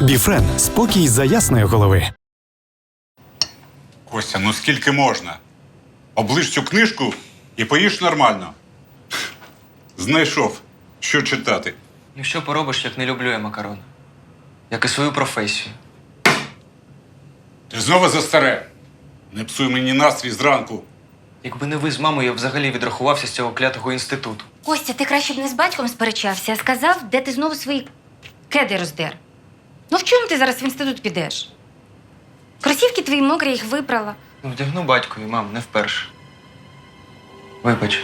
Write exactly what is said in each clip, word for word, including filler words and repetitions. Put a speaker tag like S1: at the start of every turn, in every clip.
S1: Біфрен – спокій за ясної голови.
S2: Костя, ну скільки можна? Оближ цю книжку і поїж нормально. Знайшов, що читати.
S3: Ну що поробиш, як не люблю я макарони? Як і свою професію.
S2: Ти знову за старе. Не псуй мені настрій зранку.
S3: Якби не ви з мамою, я б взагалі відрахувався з цього клятого інституту.
S4: Костя, ти краще б не з батьком сперечався, а сказав, де ти знову свої кеди роздер. Ну в чому ти зараз в інститут підеш? Кросівки твої мокрі, їх випрала.
S3: Ну, вдягну батькові, мам, не вперше. Вибач.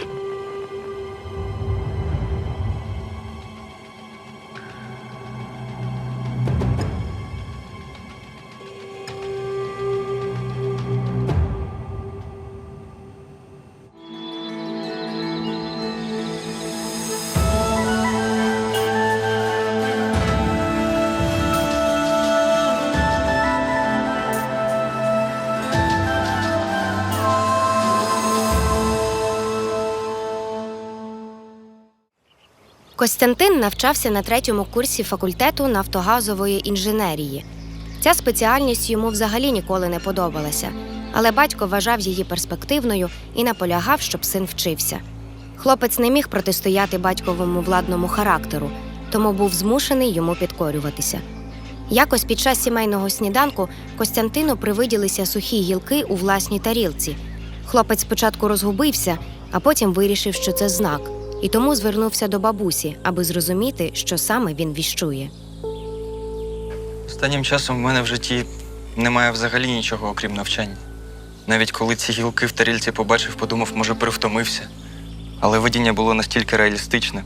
S5: Костянтин навчався на третьому курсі факультету нафтогазової інженерії. Ця спеціальність йому взагалі ніколи не подобалася, але батько вважав її перспективною і наполягав, щоб син вчився. Хлопець не міг протистояти батьковому владному характеру, тому був змушений йому підкорюватися. Якось під час сімейного сніданку Костянтину привиділися сухі гілки у власній тарілці. Хлопець спочатку розгубився, а потім вирішив, що це знак, і тому звернувся до бабусі, аби зрозуміти, що саме він віщує.
S3: Останнім часом в мене в житті немає взагалі нічого, окрім навчання. Навіть коли ці гілки в тарілці побачив, подумав, може, перевтомився. Але видіння було настільки реалістичне.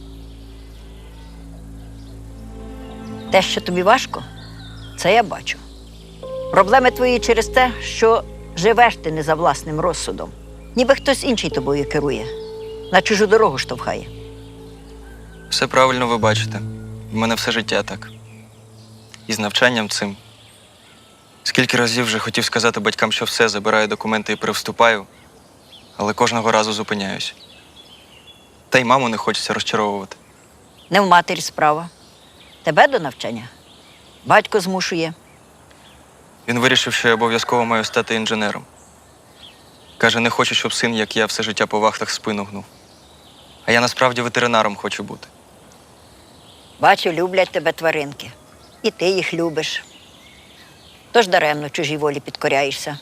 S6: Те, що тобі важко, це я бачу. Проблеми твої через те, що живеш ти не за власним розсудом. Ніби хтось інший тобою керує, на чужу дорогу штовхає.
S3: Все правильно ви бачите. В мене все життя так. І з навчанням цим. Скільки разів вже хотів сказати батькам, що все, забираю документи і перевступаю, але кожного разу зупиняюсь. Та й маму не хочеться розчаровувати.
S6: Не в матері справа. Тебе до навчання батько змушує.
S3: Він вирішив, що я обов'язково маю стати інженером. Каже, не хочу, щоб син, як я, все життя по вахтах спину гнув. А я насправді ветеринаром хочу бути.
S6: Бачу, люблять тебе тваринки. І ти їх любиш. Тож даремно чужій волі підкоряєшся.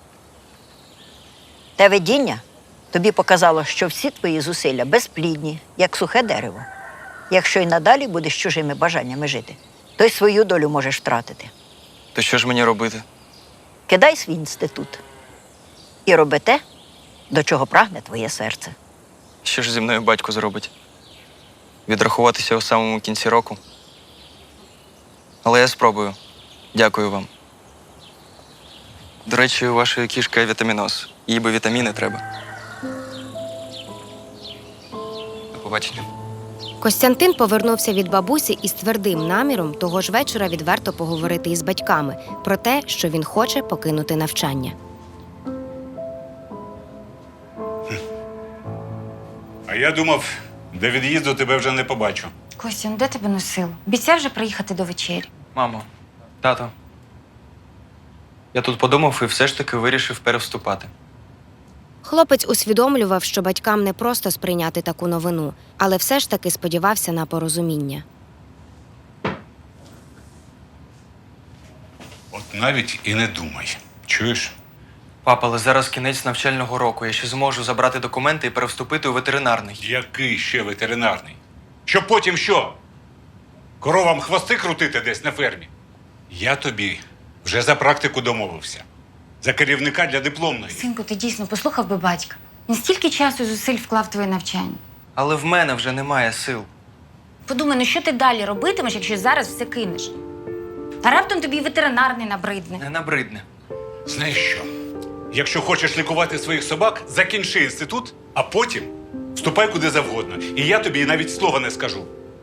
S6: Те видіння тобі показало, що всі твої зусилля безплідні, як сухе дерево. Якщо й надалі будеш чужими бажаннями жити, то й свою долю можеш втратити.
S3: То що ж мені робити?
S6: Кидай свій інститут і роби те, до чого прагне твоє серце.
S3: Що ж зі мною батько зробить? Відрахуватися у самому кінці року? Але я спробую. Дякую вам. До речі, у вашої кішки вітаміноз. Їй би вітаміни треба. До побачення.
S5: Костянтин повернувся від бабусі із твердим наміром того ж вечора відверто поговорити із батьками про те, що він хоче покинути навчання.
S2: А я думав, до від'їзду тебе вже не побачу.
S4: Костя, ну де тебе носило? Обіцяв вже приїхати до вечері.
S3: Мамо, тато. Я тут подумав і все ж таки вирішив перевступати.
S5: Хлопець усвідомлював, що батькам не просто сприйняти таку новину, але все ж таки сподівався на порозуміння.
S2: От навіть і не думай. Чуєш?
S3: Папа, але зараз кінець навчального року. Я ще зможу забрати документи і перевступити у ветеринарний.
S2: Який ще ветеринарний? Щоб потім що? Коровам хвости крутити десь на фермі? Я тобі вже за практику домовився. За керівника для дипломної.
S4: Синку, ти дійсно послухав би батька. Він стільки часу і зусиль вклав в твоє навчання.
S3: Але в мене вже немає сил.
S4: Подумай, ну що ти далі робитимеш, якщо зараз все кинеш? А раптом тобі і ветеринарний набридне.
S3: Не набридне.
S2: Знаєш що? Якщо хочеш лікувати своїх собак, закінчи інститут, а потім вступай куди завгодно. І я тобі навіть слова не скажу.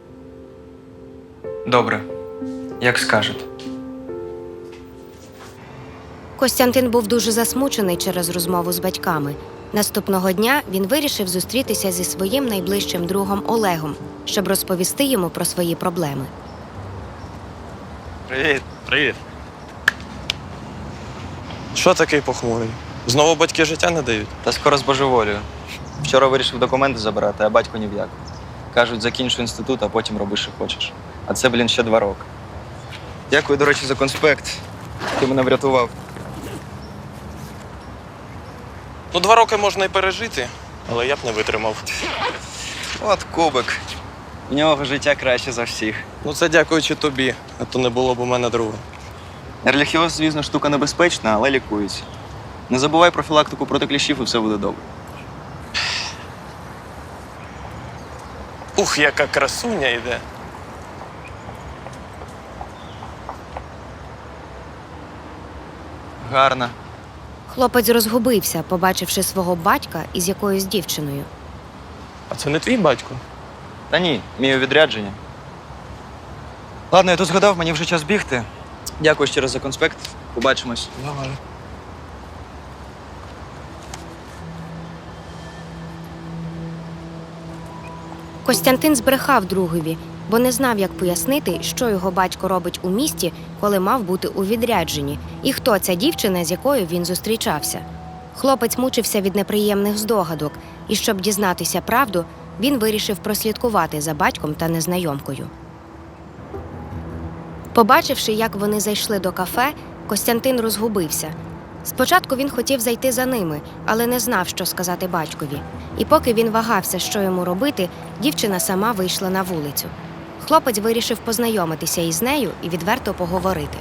S3: Добре. Як скажете.
S5: Костянтин був дуже засмучений через розмову з батьками. Наступного дня він вирішив зустрітися зі своїм найближчим другом Олегом, щоб розповісти йому про свої проблеми.
S3: Привіт.
S7: Привіт. Що такий похмурий? Знову батьки життя не дають?
S3: Та скоро збожеволію. Вчора вирішив документи забирати, а батько ні в як. Кажуть, закінчу інститут, а потім роби, що хочеш. А це, блін, ще два роки. Дякую, до речі, за конспект. Ти мене врятував.
S7: Ну, два роки можна і пережити, але я б не витримав.
S3: От кубик. У нього життя краще за всіх.
S7: Ну, це дякуючи тобі, а то не було б у мене друга.
S3: Ерліхіоз, звісно, штука небезпечна, але лікується. Не забувай профілактику проти кліщів і все буде добре.
S7: Ух, яка красуня йде.
S3: Гарно.
S5: Хлопець розгубився, побачивши свого батька із якоюсь дівчиною.
S7: А це не твій батько?
S3: Та ні, мій у відрядженні. Ладно, я тут згадав, мені вже час бігти. Дякую ще раз за конспект. Побачимось.
S7: Давай.
S5: Костянтин збрехав другові, бо не знав, як пояснити, що його батько робить у місті, коли мав бути у відрядженні, і хто ця дівчина, з якою він зустрічався. Хлопець мучився від неприємних здогадок, і щоб дізнатися правду, він вирішив прослідкувати за батьком та незнайомкою. Побачивши, як вони зайшли до кафе, Костянтин розгубився. Спочатку він хотів зайти за ними, але не знав, що сказати батькові. І поки він вагався, що йому робити, дівчина сама вийшла на вулицю. Хлопець вирішив познайомитися із нею і відверто поговорити.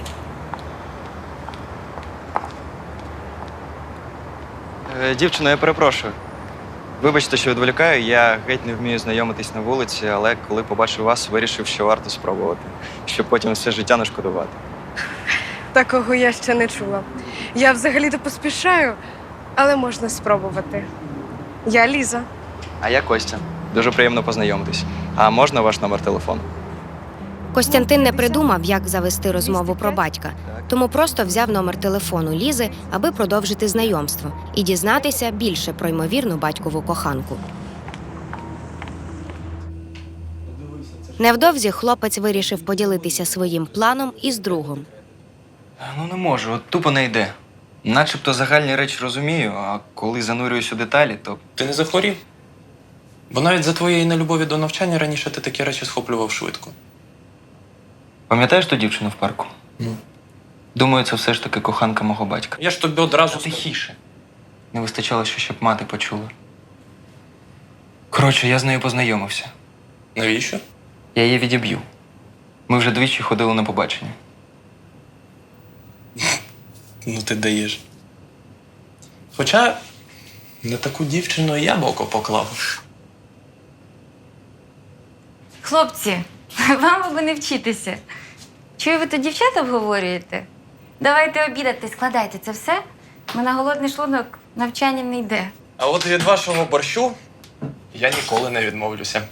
S3: Е, дівчино, я перепрошую. Вибачте, що відволікаю, я геть не вмію знайомитись на вулиці, але коли побачив вас, вирішив, що варто спробувати, щоб потім все життя не шкодувати.
S8: Такого я ще не чула. Я взагалі-то поспішаю, але можна спробувати. Я Ліза.
S3: А я Костя. Дуже приємно познайомитись. А можна ваш номер телефону?
S5: Костянтин не придумав, як завести розмову про батька, тому просто взяв номер телефону Лізи, аби продовжити знайомство і дізнатися більше про ймовірну батькову коханку. Невдовзі хлопець вирішив поділитися своїм планом із другом.
S3: Ну не можу, от тупо не йде. Начебто загальні речі розумію, а коли занурююсь у деталі, то
S7: Ти не захворів? Бо навіть за твоєї нелюбові до навчання раніше ти такі речі схоплював швидко.
S3: пам'ятаєш ту дівчину в парку?
S7: Ну.
S3: Думаю, це все ж таки коханка мого батька.
S7: Я ж тобі одразу...
S3: Та тихіше. Не вистачало, що щоб мати почула. Коротше, я з нею познайомився.
S7: Навіщо?
S3: Я її відіб'ю. Ми вже двічі ходили на побачення.
S7: Ну ти даєш. Хоча на таку дівчину і я б око поклав.
S4: Хлопці, вам би не вчитися. Чую, ви тут дівчат обговорюєте? Давайте обідати, складайте це все. Ми на голодний шлунок навчанням не йде.
S7: А от від вашого борщу я ніколи не відмовлюся.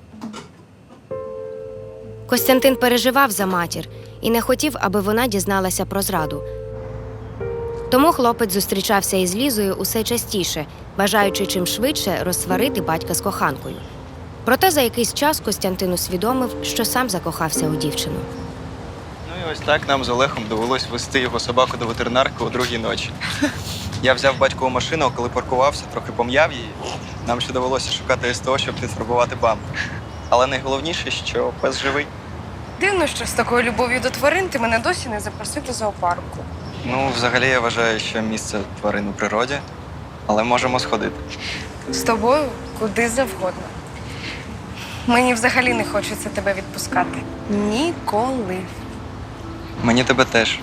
S5: Костянтин переживав за матір і не хотів, аби вона дізналася про зраду. Тому хлопець зустрічався із Лізою усе частіше, бажаючи чим швидше розсварити батька з коханкою. Проте за якийсь час Костянтин усвідомив, що сам закохався у дівчину.
S3: Ну і ось так нам з Олегом довелось вести його собаку до ветеринарки о другій ночі. Я взяв батькову машину, а коли паркувався, трохи пом'яв її. Нам ще довелося шукати СТО, щоб підфарбувати бампер. Але найголовніше, що пес живий.
S8: Дивно, що з такою любов'ю до тварин ти мене досі не запросив до зоопарку.
S3: Ну, взагалі, я вважаю, що місце тварин у природі, але можемо сходити.
S8: З тобою куди завгодно. Мені взагалі не хочеться тебе відпускати. Ніколи.
S3: Мені тебе теж.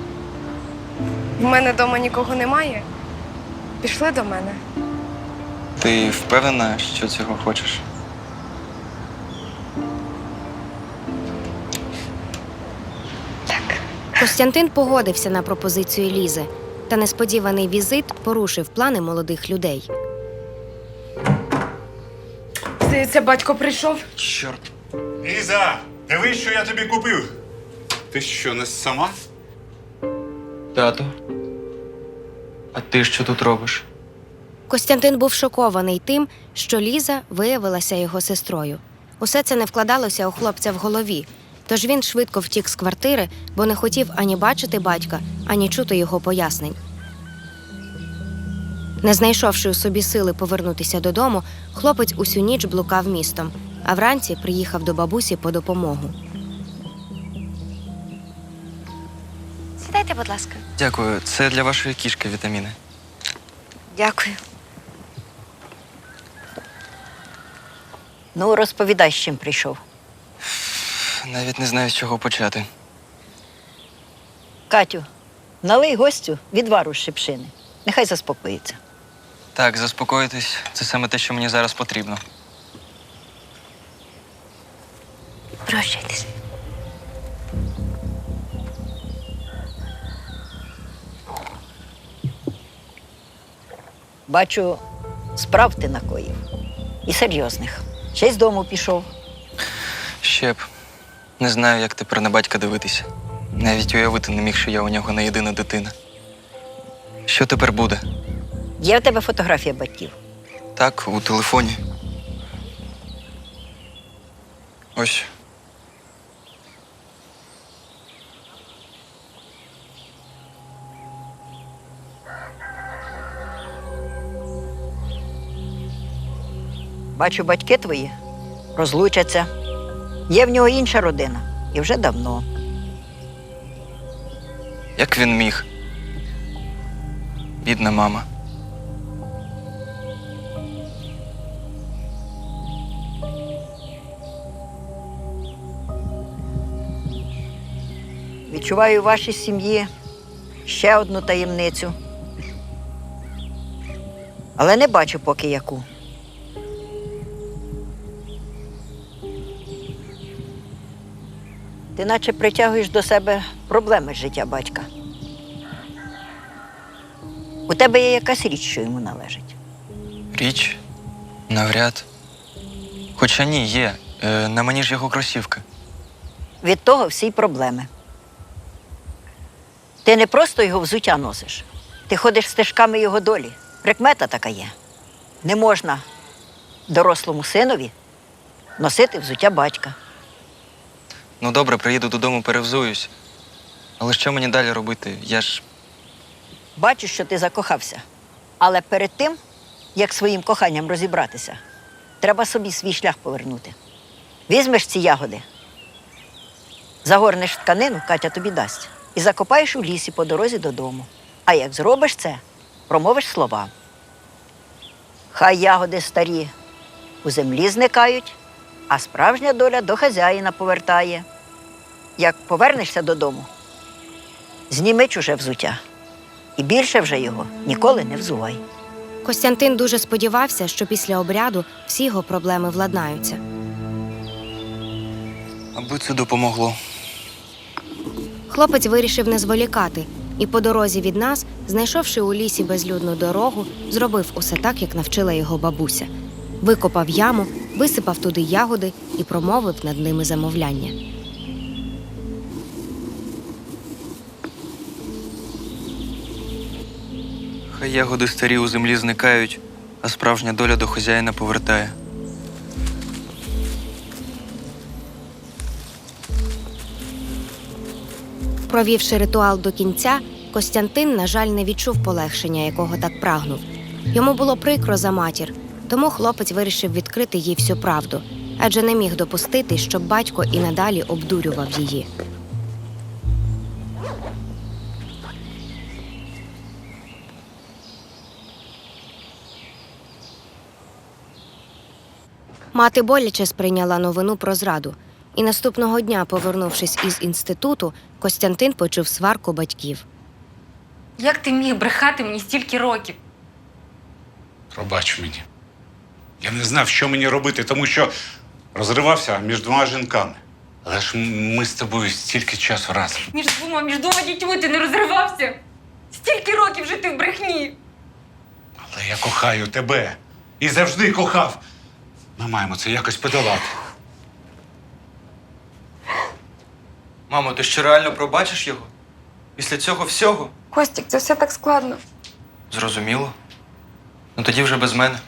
S8: В мене вдома нікого немає. Пішли до мене.
S3: Ти впевнена, що цього хочеш?
S5: Костянтин погодився на пропозицію Лізи, та несподіваний візит порушив плани молодих людей.
S8: Здається, батько прийшов.
S3: Чорт.
S2: Ліза, дивись, що я тобі купив. Ти що, не сама?
S3: Тату. А ти що тут робиш?
S5: Костянтин був шокований тим, що Ліза виявилася його сестрою. Усе це не вкладалося у хлопця в голові, Тож він швидко втік з квартири, бо не хотів ані бачити батька, ані чути його пояснень. Не знайшовши у собі сили повернутися додому, хлопець усю ніч блукав містом, а вранці приїхав до бабусі по допомогу.
S4: Сідайте, будь ласка.
S3: Дякую, це для вашої кішки вітаміни.
S4: Дякую.
S6: Ну, розповідай, з чим прийшов.
S3: Навіть не знаю, з чого почати.
S6: Катю, налий гостю відвару з шипшини. Нехай заспокоїться.
S3: Так, заспокоїтись – це саме те, що мені зараз потрібно.
S4: Прощайтесь.
S6: Бачу, справ ти накоїв. І серйозних. Ще й з дому пішов.
S3: Ще б. Не знаю, як тепер на батька дивитися. Навіть уявити не міг, що я у нього не єдина дитина. Що тепер буде?
S6: Є в тебе фотографія батьків?
S3: Так, у телефоні. Ось.
S6: Бачу, батьки твої розлучаться. Є в нього інша родина. І вже давно.
S3: Як він міг? Бідна мама.
S6: Відчуваю у вашій сім'ї ще одну таємницю. Але не бачу поки яку. Ти наче притягуєш до себе проблеми з життя батька. У тебе є якась річ, що йому належить.
S3: Річ? Навряд. Хоча ні, є. Е, на мені ж його кросівки.
S6: Від того всі й проблеми. Ти не просто його взуття носиш. Ти ходиш стежками його долі. Прикмета така є. Не можна дорослому синові носити взуття батька.
S3: Ну добре, приїду додому, перевзуюсь. Але що мені далі робити? Я ж...
S6: Бачу, що ти закохався. Але перед тим, як своїм коханням розібратися, треба собі свій шлях повернути. Візьмеш ці ягоди, загорнеш тканину, Катя тобі дасть, і закопаєш у лісі по дорозі додому. А як зробиш це, промовиш слова. Хай ягоди старі у землі зникають, а справжня доля до хазяїна повертає. Як повернешся додому, зніми чуже взуття. І більше вже його ніколи не взувай.
S5: Костянтин дуже сподівався, що після обряду всі його проблеми владнаються.
S3: Аби це допомогло.
S5: Хлопець вирішив не зволікати і по дорозі від нас, знайшовши у лісі безлюдну дорогу, зробив усе так, як навчила його бабуся. Викопав яму, висипав туди ягоди і промовив над ними замовляння.
S3: Хай ягоди старі у землі зникають, а справжня доля до хазяїна повертає.
S5: Провівши ритуал до кінця, Костянтин, на жаль, не відчув полегшення, якого так прагнув. Йому було прикро за матір, тому хлопець вирішив відкрити їй всю правду, адже не міг допустити, щоб батько і надалі обдурював її. Мати боляче сприйняла новину про зраду. І наступного дня, повернувшись із інституту, Костянтин почув сварку батьків.
S4: Як ти міг брехати мені стільки років?
S2: Пробач мені. Я не знав, що мені робити, тому що розривався між двома жінками. Але ж ми з тобою стільки часу разом.
S4: Між двома, між двома дітьми ти не розривався? Стільки років жити в брехні.
S2: Але я кохаю тебе. І завжди кохав. Ми маємо це якось подолати.
S3: Мамо, ти що реально пробачиш його? Після цього всього?
S8: Костік, це все так складно.
S3: Зрозуміло. Ну тоді вже без мене.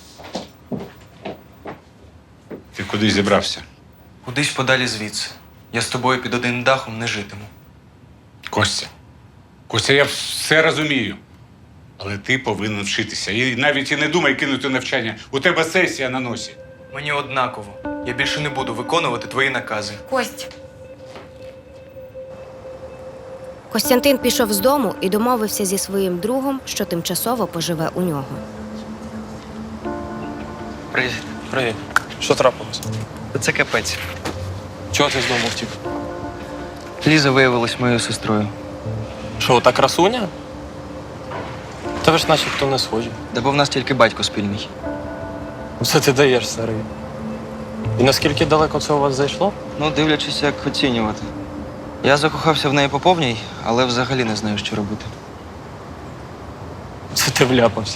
S2: Ти куди зібрався?
S3: Кудись подалі звідси. я з тобою під одним дахом не житиму.
S2: Костя, Костя, я все розумію. Але ти повинен вчитися. І навіть і не думай кинути навчання. У тебе сесія на носі.
S3: Мені однаково. Я більше не буду виконувати твої накази.
S4: Кость,
S5: Костянтин пішов з дому і домовився зі своїм другом, що тимчасово поживе у нього.
S3: Привіт.
S7: Привіт. Що трапилось?
S3: Це капець.
S7: Чого ти з дому втік?
S3: Ліза виявилась моєю сестрою.
S7: Що, та красуня? Та ви ж начебто не схожі.
S3: Да бо в нас тільки батько спільний.
S7: Все ти даєш, старий. І наскільки далеко це у вас зайшло?
S3: Ну, дивлячись, як оцінювати. Я закохався в неї по повній, але взагалі не знаю, що робити.
S7: Це ти вляпався.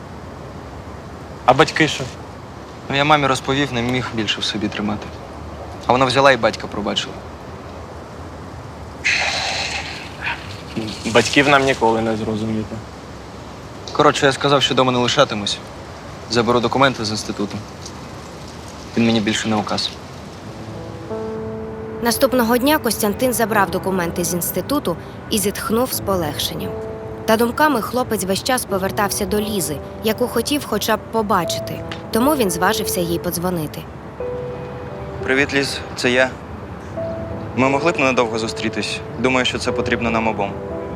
S7: А батьки що?
S3: Ну, я мамі розповів, не міг більше в собі тримати. А вона взяла і батька пробачила.
S7: Батьків нам ніколи не зрозуміти.
S3: Коротше, я сказав, що дома не лишатимусь. Заберу документи з інституту. Він мені більше не указ.
S5: Наступного дня Костянтин забрав документи з інституту і зітхнув з полегшенням. Та думками хлопець весь час повертався до Лізи, яку хотів хоча б побачити. Тому він зважився їй подзвонити.
S3: Привіт, Ліз, це я. Ми могли б ненадовго зустрітись. Думаю, що це потрібно нам обом.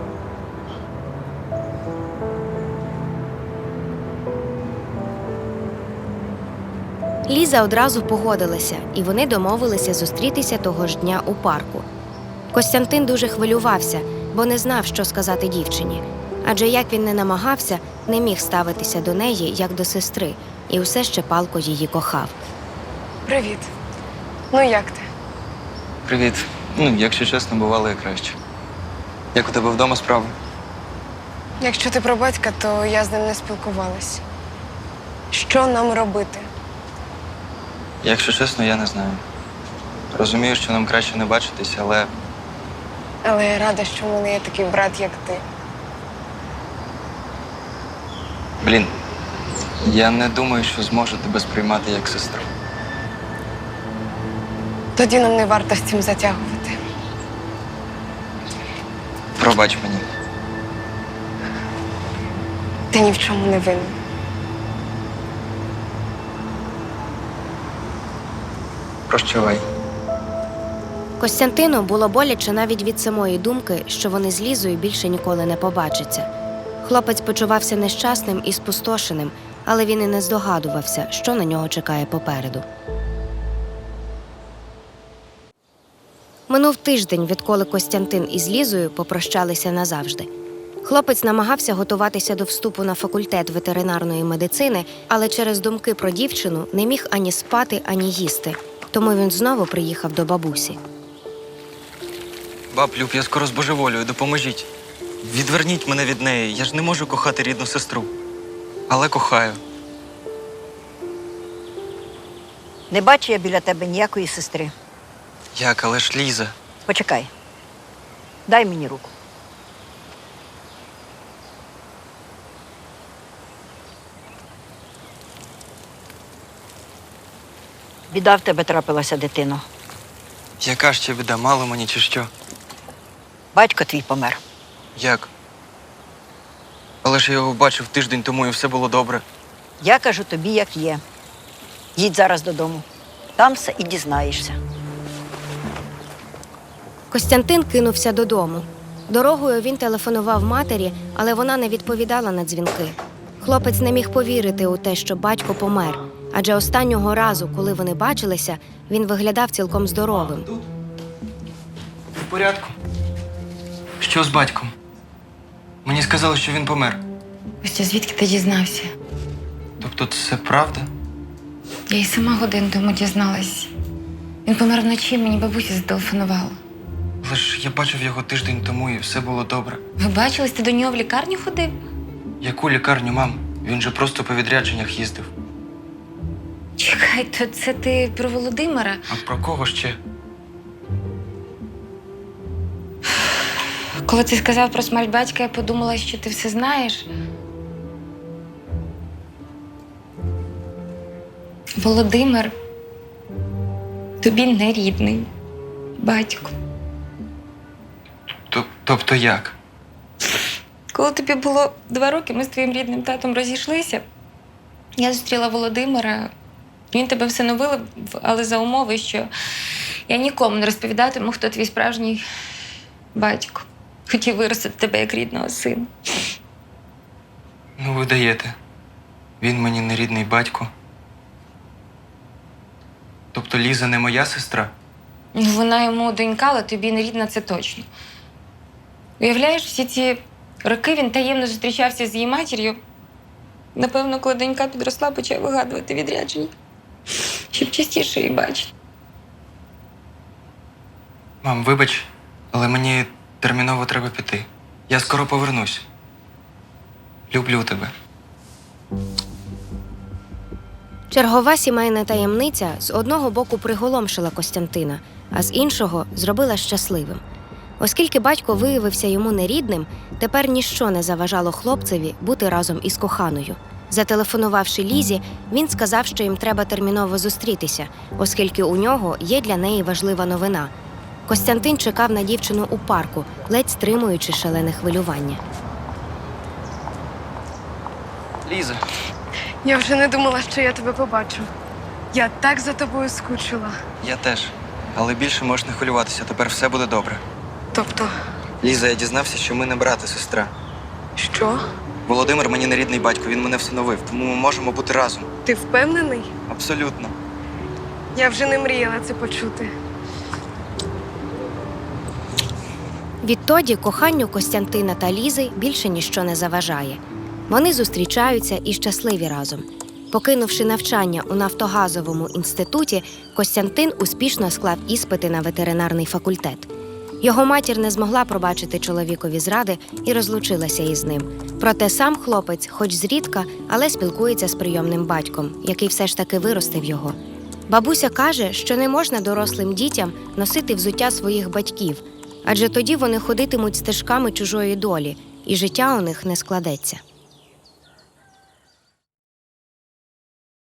S5: Ліза одразу погодилася, і вони домовилися зустрітися того ж дня у парку. Костянтин дуже хвилювався, бо не знав, що сказати дівчині. Адже як він не намагався, не міг ставитися до неї, як до сестри, і усе ще палко її кохав.
S8: Привіт. Ну як ти?
S3: Привіт. Ну, якщо чесно, бувало і краще. Як у тебе вдома справи?
S8: Якщо ти про батька, то я з ним не спілкувалась. Що нам робити?
S3: Якщо чесно, я не знаю. Розумію, що нам краще не бачитись, але
S8: Але я рада, що в мене є такий брат, як ти.
S3: Блін, я не думаю, що зможу тебе сприймати як сестру.
S8: Тоді нам не варто з цим затягувати.
S3: Пробач мені.
S8: Ти ні в чому не винен.
S3: Прощавай.
S5: Костянтину було боляче навіть від самої думки, що вони з Лізою більше ніколи не побачаться. Хлопець почувався нещасним і спустошеним, але він і не здогадувався, що на нього чекає попереду. Минув тиждень, відколи Костянтин із Лізою попрощалися назавжди. Хлопець намагався готуватися до вступу на факультет ветеринарної медицини, але через думки про дівчину не міг ані спати, ані їсти. Тому він знову приїхав до бабусі.
S3: Баб, Люб, я скоро збожеволюю, допоможіть. Відверніть мене від неї, я ж не можу кохати рідну сестру. Але кохаю.
S6: Не бачу я біля тебе ніякої сестри.
S3: Як, але ж Ліза.
S6: Почекай. Дай мені руку. Біда в тебе трапилася, дитино.
S3: Яка ще біда, мало мені чи що?
S6: Батько твій помер.
S3: Як? Але ж я його бачив тиждень тому і все було добре.
S6: Я кажу тобі, як є. Їдь зараз додому. Там все і дізнаєшся.
S5: Костянтин кинувся додому. Дорогою він телефонував матері, але вона не відповідала на дзвінки. Хлопець не міг повірити у те, що батько помер, адже останнього разу, коли вони бачилися, він виглядав цілком здоровим.
S3: В порядку. Що з батьком? Мені сказали, що він помер.
S4: Костя, звідки ти дізнався?
S3: Тобто це правда?
S4: Я й сама годину тому дізналась. Він помер вночі, мені бабуся зателефонувала.
S3: Але ж я бачив його тиждень тому і все було добре.
S4: Ви бачились, ти до нього в лікарню ходив?
S3: Яку лікарню, мам? Він же просто по відрядженнях їздив.
S4: Чекай, то це ти про Володимира?
S3: А про кого ще?
S4: Коли ти сказав про смерть батька, я подумала, що ти все знаєш. Володимир тобі не рідний. батько.
S3: Тобто як?
S4: Коли тобі було два роки, ми з твоїм рідним татом розійшлися. Я зустріла Володимира. Він тебе всиновив, але за умови, що я нікому не розповідатиму, хто твій справжній батько. Хотів виростити тебе як рідного сина.
S3: Ну, ви даєте. Він мені не рідний батько. Тобто Ліза не моя сестра?
S4: Ну, вона йому донька, але тобі не рідна, це точно. Уявляєш, всі ці роки він таємно зустрічався з її матір'ю. Напевно, коли донька підросла, почав вигадувати відрядження, щоб частіше її бачити.
S3: Мам, вибач, але мені терміново треба піти. Я скоро повернусь. Люблю тебе.
S5: Чергова сімейна таємниця з одного боку приголомшила Костянтина, а з іншого зробила щасливим. Оскільки батько виявився йому нерідним, тепер ніщо не заважало хлопцеві бути разом із коханою. Зателефонувавши Лізі, він сказав, що їм треба терміново зустрітися, оскільки у нього є для неї важлива новина. Костянтин чекав на дівчину у парку, ледь стримуючи шалене хвилювання.
S3: Ліза.
S8: Я вже не думала, що я тебе побачу. Я так за тобою скучила.
S3: Я теж. Але більше можеш не хвилюватися, тепер все буде добре.
S8: Тобто,
S3: Ліза, я дізнався, що ми не брат і сестра.
S8: що?
S3: Володимир мені не рідний батько, він мене всиновив, тому ми можемо бути разом.
S8: Ти впевнений?
S3: Абсолютно.
S8: Я вже не мріяла це почути.
S5: Відтоді коханню Костянтина та Лізи більше ніщо не заважає. Вони зустрічаються і щасливі разом. Покинувши навчання у нафтогазовому інституті, Костянтин успішно склав іспити на ветеринарний факультет. Його матір не змогла пробачити чоловікові зради і розлучилася із ним. Проте сам хлопець, хоч зрідка, але спілкується з прийомним батьком, який все ж таки виростив його. Бабуся каже, що не можна дорослим дітям носити взуття своїх батьків, адже тоді вони ходитимуть стежками чужої долі, і життя у них не складеться.